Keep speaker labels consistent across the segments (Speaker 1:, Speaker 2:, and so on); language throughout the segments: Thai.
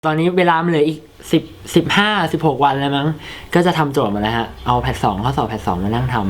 Speaker 1: ตอนนี้เวลามันเหลืออีก15-16 วันแล้วมั้งก็จะทำโจทย์มาแล้วฮะเอาแพท2ข้อสอบแพท2มานั่งทำ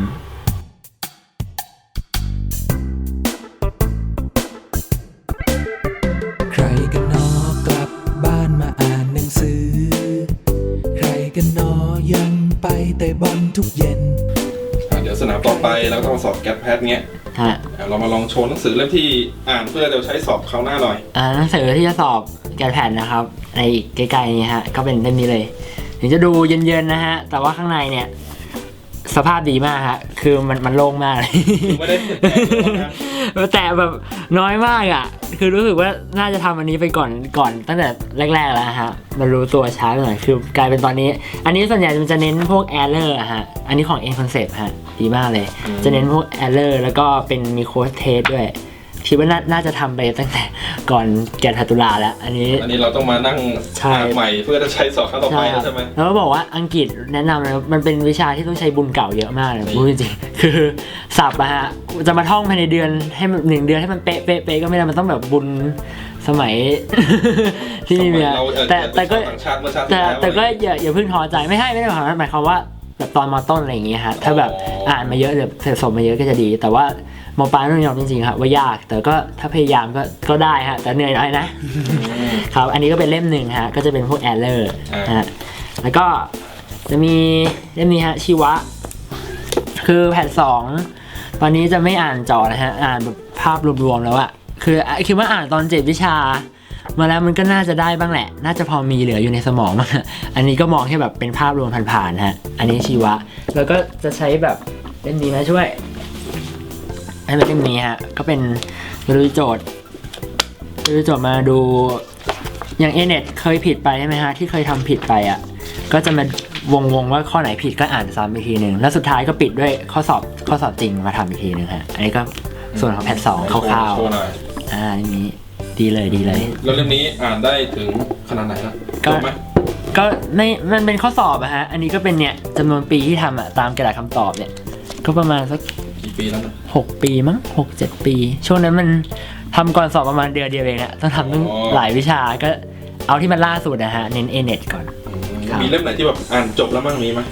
Speaker 2: ใครกันนอกลับบ้านมาอ่านหนังสือใครกันนอยังไปเตะบอลทุกเย็น
Speaker 3: เดี๋ยวสนามต่อไปแล้วก็สอบแกดแพทเงี้ยเรามาลองโชว์หนังสือเล่มที่อ่านเพื่อจะใช้สอบคราวหน้าหน่อย
Speaker 1: หนังสือที่จะสอบแกดแพทนะครับในใกล้ๆนี้ฮะก็เป็นเล่มนี้เลยถึงจะดูเย็นๆนะฮะแต่ว่าข้างในเนี่ยสภาพดีมากฮะคือมันโล่งมากเลย
Speaker 3: ไม่ได้
Speaker 1: แต่แบบน้อยมากอ่ะคือรู้สึกว่าน่าจะทำอันนี้ไปก่อนตั้งแต่แรกๆแล้วฮะมันรู้ตัวช้าไปหน่อยคือกลายเป็นตอนนี้อันนี้ส่วนใหญ่มันจะเน้นพวก error ฮะอันนี้ของ N Concept ฮะดีมากเลยจะเน้นพวก error แล้วก็เป็นมีโค้ดเทสด้วยคิดว่าน่าจะทำไปตั้งแต่ก่อนแกนตุลาแล้วอันนี้
Speaker 3: เราต้องมานั่งอ่านใหม่เพื่อจะใช้สอบครั้งต่อไปใช่ไหม
Speaker 1: แล้วก็บอกว่าอังกฤษแนะนำเลยมันเป็นวิชาที่ต้องใช้บุญเก่าเยอะมากเลยพูดจริงๆคือศัพท์อะฮะจะมาท่องภายในเดือนให้1 เดือนให้มันเป๊ะก็ไม่ได้มันต้องแบบบุญสมัยที่นี่เนี่ยแต่ก็อย่าเพิ่งท้อใจไม่ได้หมายความว่าแบบตอนม.ต้นอะไรอย่างเงี้ยฮะถ้าแบบอ่านมาเยอะหรือสะสมมาเยอะก็จะดีแต่ว่าม.ปลายต้องยอมจริงๆครับว่ายากแต่ก็ถ้าพยายามก็ได้ฮะแต่เหนื่อยหน่อยนะครับอันนี้ก็เป็นเล่มหนึ่งฮะก็จะเป็นพวก error ฮะแล้วก็จะมีเล่มนี้ฮะชีวะคือแพท2ตอนนี้จะไม่อ่านจอนะฮะอ่านแบบภาพรวมๆแล้วอะคือคิดว่าอ่านตอน7 วิชามาแล้วมันก็น่าจะได้บ้างแหละน่าจะพอมีเหลืออยู่ในสมองอันนี้ก็มองแค่แบบเป็นภาพรวมผ่านๆฮะอันนี้ชีวะแล้วก็จะใช้แบบเล่มนี้มาช่วยให้เป็นเล่มนี้ฮะก็เป็นดูโจทย์มาดูอย่างเน็ตเคยผิดไปใช่ไหมฮะที่เคยทำผิดไปอ่ะก็จะมาวงว่าข้อไหนผิดก็อ่านซ้ำอีกทีหนึ่งแล้วสุดท้ายก็ปิดด้วยข้อสอบจริงมาทำอีกทีหนึ่งฮะอันนี้ก็ส่วนของแพท2คร่าวๆนี้ดีเลย
Speaker 3: แล้วเล่มนี้อ่านได้ถึงขนาดไหนแล้วจบไหม
Speaker 1: ก็ไม่มันเป็นข้อสอบอะฮะอันนี้ก็เป็นเนี่ยจำนวนปีที่ทำอะตามกระดาษคำตอบเนี่ยก็ประมาณสัก
Speaker 3: กี่ปีแล้วนะ
Speaker 1: 6 ปีมั้ง6-7 ปีช่วงนั้นมันทำก่อนสอบประมาณเดือนเดียวเองอะต้องทำตั้งหลายวิชาก็เอาที่มันล่าสุดนะฮะเน้น A-NET ก่อน
Speaker 3: มีเล่มไหนที่แบบอ่านจบแล้วมั้งมีไหม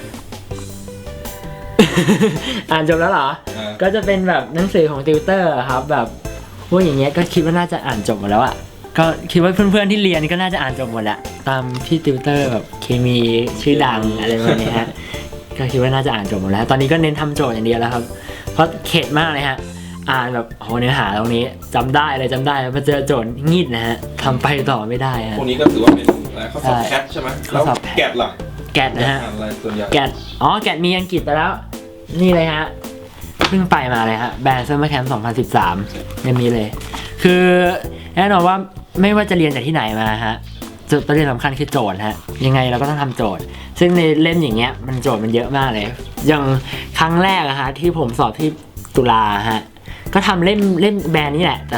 Speaker 1: อ่านจบแล้วเหรอก็จะเป็นแบบหนังสือของติวเตอร์ครับแบบพวกอย่างเงี้ยก็คิดว่าน่าจะอ่านจบหมดแล้วอะก็คิดว่าเพื่อนๆที่เรียนก็น่าจะอ่านจบหมดแหละตามที่ติวเตอร์แบบเคมีชื่อดังอะไรแบบนี้ฮะก็คิดว่าน่าจะอ่านจบหมดแล้วตอนนี้ก็เน้นทำโจทย์อย่างเดียวแล้วครับเพราะเข็ดมากเลยฮะอ่านแบบโหเนื้อหาตรงนี้จำได้แล้วมาเจอโจทย์งีดนะฮะทำไปต่อไม่ได้ฮะ
Speaker 3: พวกนี้ก็ถือว่าเป็นข้อสอบแคทใช่ไหมแล้วแกดล่ะ
Speaker 1: แกดนะฮะแกดมีอังกฤษไปแล้วนี่เลยฮะเพิ่งไปมาเลยฮะแบรนด์ซัมเมอร์แคมป์2013ยังมีเลยคือแน่นอนว่าไม่ว่าจะเรียนจากที่ไหนมาฮะจุดประเด็นสำคัญคือโจทย์ฮะยังไงเราก็ต้องทำโจทย์ซึ่งในเล่มอย่างเงี้ยมันโจทย์มันเยอะมากเลยอย่างครั้งแรกอะฮะที่ผมสอบที่ตุลาฮะก็ทำเล่มแบรนด์นี่แหละแต่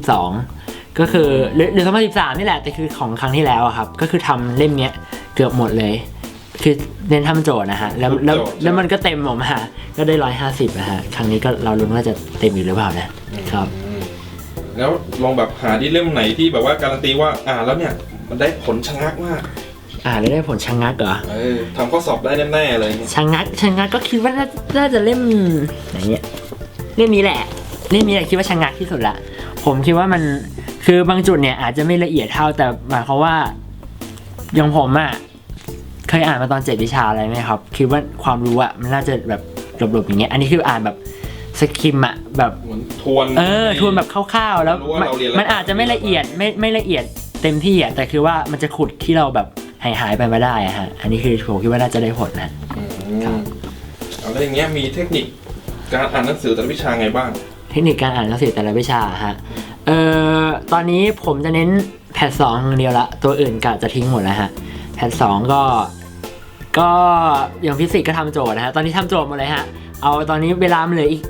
Speaker 1: 2012ก็คือหรือ2013นี่แหละแต่คือของครั้งที่แล้วอะครับก็คือทำเล่มเนี้ยเกือบหมดเลยคือเน้นทำโจทย์นะฮะแล้วมันก็เต็มออกมาก็ได้150นะฮะครั้งนี้ก็เราลุ้นว่าจะเต็มอยู่หรือเปล่านะครับ
Speaker 3: แล้วลองแบบหาที่เล่มไหนที่แบบว่าการันตีว่าแล้วเนี่ยมันได้ผลชะงักมาก
Speaker 1: แล้วได้ผลชะงักเหรอ
Speaker 3: ทำข้อสอบได้แน่ๆเลย
Speaker 1: ชะงักก็คิดว่าน่าจะเล่มไหนเนี่ยเล่มนี้แหละคิดว่าชะงักที่สุดละผมคิดว่ามันคือบางจุดเนี่ยอาจจะไม่ละเอียดเท่าแต่หมายความว่าอย่างผมอะเคยอ่านมาตอน7 วิชาอะไรไหมครับคิดว่าความรู้อะมันน่าจะแบบหลบๆอย่างเงี้ยอันนี้คืออ่านแบบสคิมอะแบบ
Speaker 3: ทวน
Speaker 1: แบบคร่าวๆแล้วมันอาจจะไม่ละเอียดไม่ละเอียดเต็มที่อะแต่คือว่ามันจะขุดที่เราแบบหายไปมาได้อะฮะอันนี้คือผมคิดว่าน่าจะได้ผลนะ
Speaker 3: แล้วอย่างเงี้ยมีเทคนิคการอ่านหนังสือแต่ละวิชาไงบ้าง
Speaker 1: เทคนิคการอ่านหนังสือแต่ละวิชาฮะตอนนี้ผมจะเน้นแพท2อย่างเดียวละตัวอื่นกะจะทิ้งหมดแล้วฮะแพท2ก็อย่างฟิสิกส์ก็ทำโจทย์นะฮะตอนนี้ทำโจทย์หมดเลยฮะเอาตอนนี้เวลามันเหลืออีก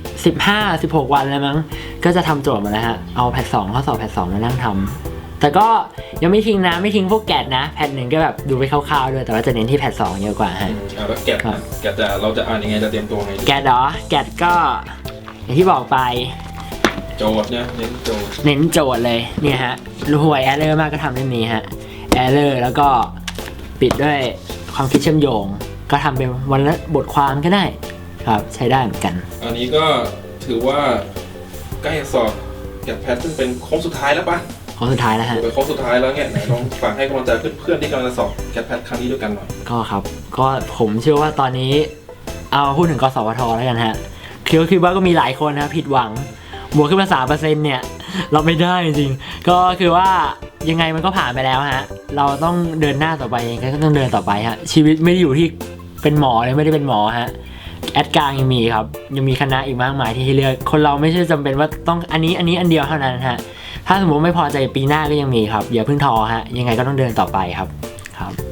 Speaker 1: 15-16 วันแล้วมั้งก็จะทำโจทย์มาแล้วฮะเอาแพท2ข้อสอบแพท2มานั่งทำแต่ก็ยังไม่ทิ้งพวกแกดนะแพท1ก็แบบดูไปคร่าวๆด้วยแต่ว่าจะเน้นที่แพท2เยอะกว่าฮะ
Speaker 3: แล้วแกดเราจะอ่านยังไงจะเตรียมตัวไง
Speaker 1: แกดเหรอแกดก็อย่างที่บอกไป
Speaker 3: โจทย์เนี่ยเน้นโจทย์
Speaker 1: เลยเนี่ยฮะห่วยแอร์เลอร์มากก็ทำเล่มนี้ฮะ error แล้วก็ปิดด้วยความคิดเชื่อมโยงก็ทำเป็นวันละบทความก็ได้ครับใช้ได้เหมือนกัน
Speaker 3: อันนี้ก็ถือว่าใกล้สอบแกดแพทซึ่งเป็นโค้งสุดท้ายแล้วปะ
Speaker 1: โค้งสุดท้ายแล้วฮะ
Speaker 3: เป็นโค้งสุดท้ายแล้วเนี่ยไหนลองฝากให้กำลังใจเพื่อนๆที่กำลังจะสอบแกดแพทครั้งนี้ด้วยกันหน่อย
Speaker 1: ก็ครับก็ผมเชื่อว่าตอนนี้เอาพูดถึงกสวทแล้วกันฮะคิดว่าก็มีหลายคนนะผิดหวังบวกขึ้นมา 3% เนี่ยเราไม่ได้จริงๆก็คือว่ายังไงมันก็ผ่านไปแล้วฮะเราต้องเดินหน้าต่อไปยังไงก็ต้องเดินต่อไปฮะชีวิตไม่ได้อยู่ที่เป็นหมอเลยไม่ได้เป็นหมอฮะแอดกลางยังมีครับยังมีคณะอีกมากมายที่ให้เลือกคนเราไม่ใช่จำเป็นว่าต้องอันนี้อันเดียวเท่านั้นฮะถ้าสมมติไม่พอใจปีหน้าก็ยังมีครับอย่าเพิ่งท้อฮะยังไงก็ต้องเดินต่อไปครับ